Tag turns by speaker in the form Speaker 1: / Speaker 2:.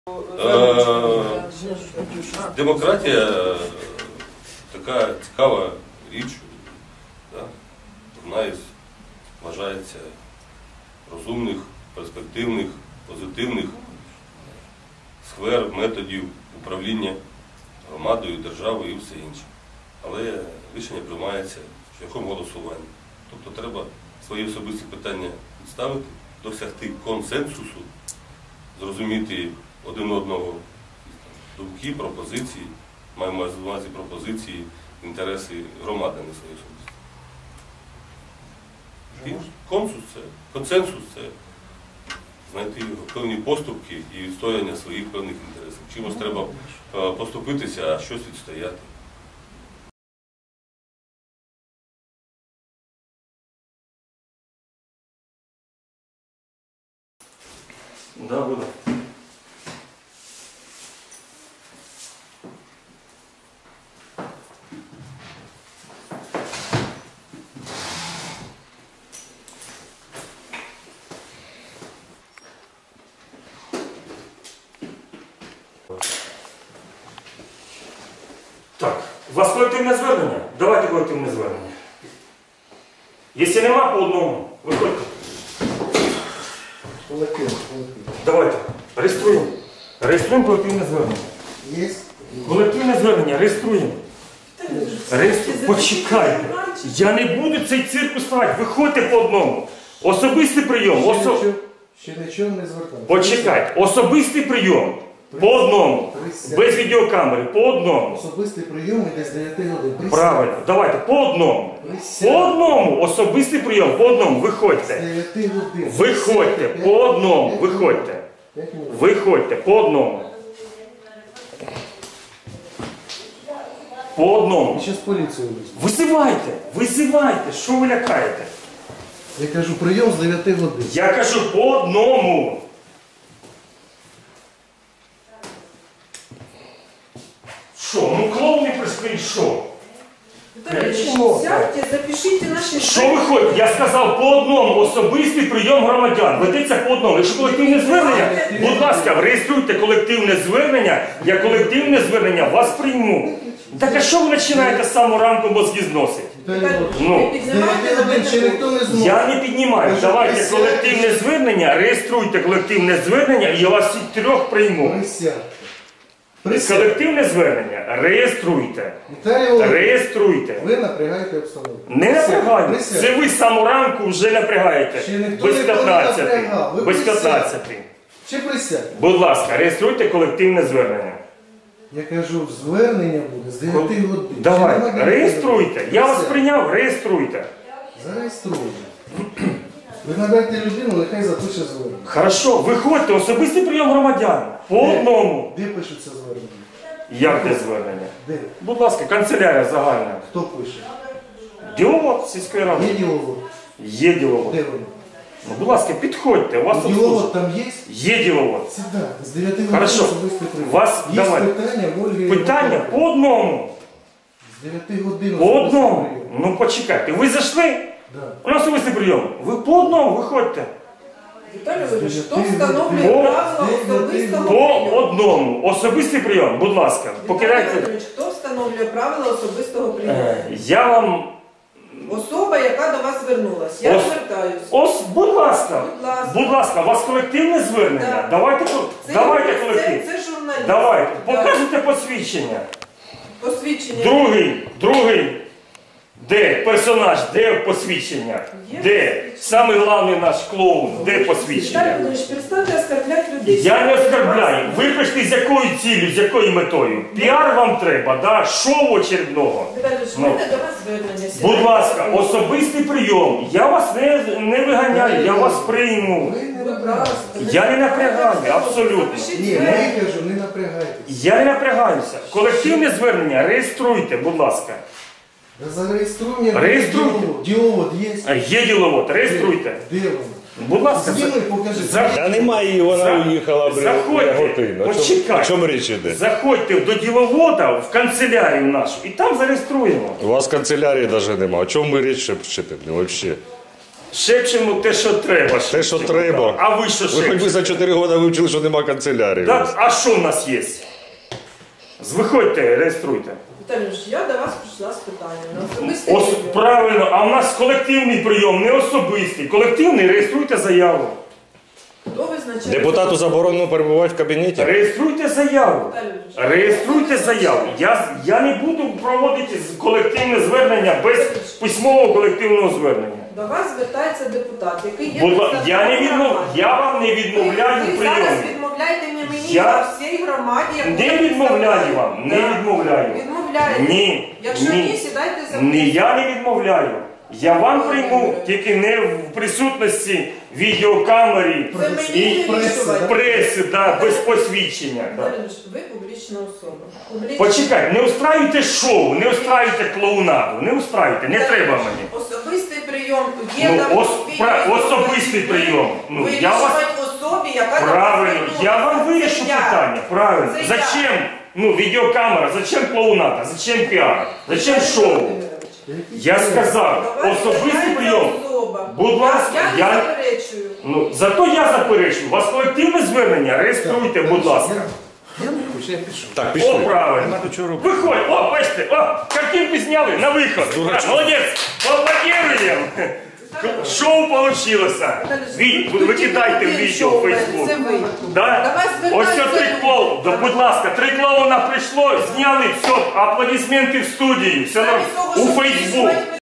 Speaker 1: Демократія така цікава річ, да? Одна із, вважається, розумних, перспективних, позитивних сфер, методів управління громадою, державою і все інше. Але рішення приймається шляхом голосування. Тобто треба свої особисті питання відставити, досягти консенсусу, зрозуміти один одного думки, пропозиції, маємо на увазі пропозиції, інтереси громади, не свої особисті. Консенсус це знайти певні поступки і відстояння своїх певних інтересів. Чимось треба поступитися, а щось відстояти.
Speaker 2: Да, буде. Так, у вас колективне звернення? Давайте колективне звернення. Якщо нема, по одному, виходьте. Давайте, реєструємо. Реєструємо колективне звернення.
Speaker 3: Є?
Speaker 2: Колективне звернення, реєструємо. Почекайте. Я не буду цей цирк ставити. Виходьте по одному. Особистий прийом.
Speaker 3: Ще нічого не звертається.
Speaker 2: Почекайте. Особистий прийом. По одному. Без відеокамери. По одному.
Speaker 3: Особистий прийом іде з 9 годин.
Speaker 2: Правильно. Давайте. По одному. По одному. Особистий прийом. По одному. Виходьте.
Speaker 3: З 9 годин.
Speaker 2: Виходьте. По одному. Виходьте. Виходьте. По одному. По одному.
Speaker 3: І зараз поліцію візьму.
Speaker 2: Визивайте. Визивайте. Що ви лякаєте?
Speaker 3: Я кажу, прийом з 9 годин.
Speaker 2: Я кажу по одному. Що? Ну клоуни прийшли, що?
Speaker 4: Виталий, сядьте, запишите наши...
Speaker 2: Що виходить? Я сказав по одному. Особистий прийом громадян. Ведеться по одному. Якщо колективне звернення, будь ласка, реєструйте колективне звернення. Я колективне звернення вас прийму. Так а що ви починаєте з самого ранку мозги зносити? Ну,
Speaker 3: З 9 годин ще ніхто не зможе.
Speaker 2: я не піднімаю. Давайте колективне звернення, реєструйте колективне звернення і я вас всіх трьох прийму.
Speaker 3: Присядьте.
Speaker 2: Колективне звернення реєструйте.
Speaker 3: Віталій Володимирович,
Speaker 2: реєструйте.
Speaker 3: ви напрягаєте обстановку.
Speaker 2: Не напрягаю. Це ви з самого ранку вже напрягаєте.
Speaker 3: Ще ніхто
Speaker 2: Без
Speaker 3: ніколи не
Speaker 2: 15.
Speaker 3: напрягав. Ви
Speaker 2: Без
Speaker 3: присядьте.
Speaker 2: 15.
Speaker 3: Чи присядьте?
Speaker 2: Будь ласка, реєструйте колективне звернення.
Speaker 3: Я кажу, звернення буде з 9 годин.
Speaker 2: Давайте, реєструйте. Я вас прийняв, реєструйте.
Speaker 3: Зареєструйте. Ви надайте людину, нехай запише звернення.
Speaker 2: Хорошо, виходьте, особистий прийом громадян. По одному.
Speaker 3: Де пишуться звернення?
Speaker 2: Як де звернення?
Speaker 3: Де?
Speaker 2: Будь ласка, канцелярія загальна.
Speaker 3: Хто пише?
Speaker 2: Діловод сільської ради.
Speaker 3: Є діловод?
Speaker 2: Є діловод.
Speaker 3: Де вони?
Speaker 2: Ну, будь ласка, підходьте, у вас
Speaker 3: Діловод
Speaker 2: обслужать.
Speaker 3: там є?
Speaker 2: Є діловод.
Speaker 3: Сідайте, з 9 годин
Speaker 2: Хорошо.
Speaker 3: особистий прийом.
Speaker 2: Вас,
Speaker 3: Є
Speaker 2: давай.
Speaker 3: питання, Ольги?
Speaker 2: Питання по одному.
Speaker 3: З 9 годин
Speaker 2: По
Speaker 3: особистий
Speaker 2: одному.
Speaker 3: прийом.
Speaker 2: Ну почекайте, ви зайшли?
Speaker 3: Да.
Speaker 2: У нас особистий прийом. Ви по одному виходьте.
Speaker 4: Виталий Владимирович, кто встановлює правила особистого
Speaker 2: По
Speaker 4: прийому?
Speaker 2: одному. Особистий прийом, будь ласка.
Speaker 4: Віталій
Speaker 2: Покидайте.
Speaker 4: Володимирович, хто встановлює правила особистого прийому?
Speaker 2: Я вам...
Speaker 4: Особа, яка до вас звернулась. Я звертаюсь.
Speaker 2: Будь ласка.
Speaker 4: Будь ласка.
Speaker 2: Будь ласка, у вас колективне звернення?
Speaker 4: Так.
Speaker 2: Давайте колектив.
Speaker 4: Це журналіст.
Speaker 2: Давайте,
Speaker 4: Так.
Speaker 2: покажете посвідчення.
Speaker 4: Посвідчення.
Speaker 2: Другий. Де персонаж, де посвідчення?
Speaker 4: Є
Speaker 2: Де?
Speaker 4: посвідчення.
Speaker 2: Самий головний наш клоун, де
Speaker 4: Віталій
Speaker 2: посвідчення?
Speaker 4: Володимирович, перестаньте оскорбляти людей.
Speaker 2: Я не оскорбляю. Ви прийшли з якою ціллю, з якою метою? Піар вам треба, да? Шоу очередного.
Speaker 4: Віталій Володимирович, в
Speaker 2: Ну.
Speaker 4: мене до вас звернення.
Speaker 2: Будь ласка, особистий прийом. Я вас не виганяю, я вас прийму.
Speaker 3: Ви не
Speaker 4: Будь
Speaker 3: напрягайтеся.
Speaker 4: ласка.
Speaker 2: Я не напрягаю, абсолютно.
Speaker 3: Ні, я кажу, не напрягайтеся.
Speaker 2: Я не напрягаюся. Колективне звернення реєструйте, будь ласка.
Speaker 3: Зареєструємо.
Speaker 2: Реєструйте.
Speaker 3: Діловод є?
Speaker 2: Є діловод, реєструйте.
Speaker 3: Де вони?
Speaker 2: Будь ласка,
Speaker 3: Зніми, покажи.
Speaker 5: Та немає її, вона уїхала
Speaker 2: Заходьте,
Speaker 5: годину. О
Speaker 2: почекайте.
Speaker 5: чому річ іде?
Speaker 2: Заходьте до діловода в канцелярію нашу і там зареєструємо.
Speaker 5: У вас канцелярії навіть немає. О чому ми річ ще вчити? Взагалі.
Speaker 2: Шепчемо те, що треба.
Speaker 5: Те, що треба.
Speaker 2: А ви що
Speaker 5: Ви хоч би
Speaker 2: шепчете?
Speaker 5: за 4 роки вивчили, що нема канцелярії.
Speaker 2: Так, а що в нас є? Виходьте, реєструйте.
Speaker 4: Віталій, я до вас прийшла з питанням. На особистий прийом.
Speaker 2: Правильно, а в нас колективний прийом, не особистий. Колективний, реєструйте заяву.
Speaker 4: Хто визначає?
Speaker 5: Депутату заборонено перебувати в кабінеті?
Speaker 2: Реєструйте заяву. Реєструйте заяву. Я не буду проводити колективне звернення без письмового колективного звернення.
Speaker 4: До вас звертається депутат, який є
Speaker 2: Я
Speaker 4: представником громади.
Speaker 2: вам не відмовляю
Speaker 4: Ви
Speaker 2: в
Speaker 4: зараз
Speaker 2: прийомі.
Speaker 4: відмовляєте не мені,
Speaker 2: Я
Speaker 4: а всій громаді. яку
Speaker 2: Не
Speaker 4: ви
Speaker 2: відмовляю
Speaker 4: представляєте.
Speaker 2: вам, не
Speaker 4: Так.
Speaker 2: відмовляю.
Speaker 4: Відмовляєте?
Speaker 2: Ні.
Speaker 4: Якщо ні, сідайте за мною.
Speaker 2: Я не відмовляю. Я вам прийму, тільки не в присутності відеокамери
Speaker 4: Це мені
Speaker 2: і
Speaker 4: вирішувати.
Speaker 2: преси, да, без посвідчення. Да.
Speaker 4: Віталій, ви публічна особа.
Speaker 2: Почекайте, не устраюйте шоу, не устраюйте клоунаду, не устраюйте, не треба мені.
Speaker 4: Особистий прийом є
Speaker 2: Ну,
Speaker 4: там
Speaker 2: особистий прийом. Ну, я вас-
Speaker 4: вирішувати особі, яка до вас
Speaker 2: Правильно,
Speaker 4: звернулася.
Speaker 2: я вам
Speaker 4: Це
Speaker 2: вирішу
Speaker 4: я.
Speaker 2: питання, правильно.
Speaker 4: Це
Speaker 2: Зачем, відеокамера, зачем клоунада, зачем піар, зачем шоу? Я сказав,
Speaker 4: До вас
Speaker 2: особистий
Speaker 4: звертається
Speaker 2: прийом.
Speaker 4: особа.
Speaker 2: Будь ласка,
Speaker 4: я
Speaker 2: я-
Speaker 4: не заперечую.
Speaker 2: Ну, зато я заперечую, у вас колективне звернення, реєструйте, будь ласка.
Speaker 3: Я не хочу, я пишу.
Speaker 5: Так,
Speaker 2: О,
Speaker 5: пішли.
Speaker 2: правильно. Виходь, о, бачите, о, картинку зняли, на виход. Молодець, поаплодируємо. Шоу получилось. Викидайте в відео в Фейсбук.
Speaker 4: Це ви.
Speaker 2: Да?
Speaker 4: До вас
Speaker 2: Ось це
Speaker 4: звертаються
Speaker 2: 3
Speaker 4: люди.
Speaker 2: клоуна. Да, будь ласка, 3 клоуна прийшло, зняли, все, аплодисменти в студії, все
Speaker 4: Замість того,
Speaker 2: у
Speaker 4: щоб
Speaker 2: Фейсбук.
Speaker 4: вирішувати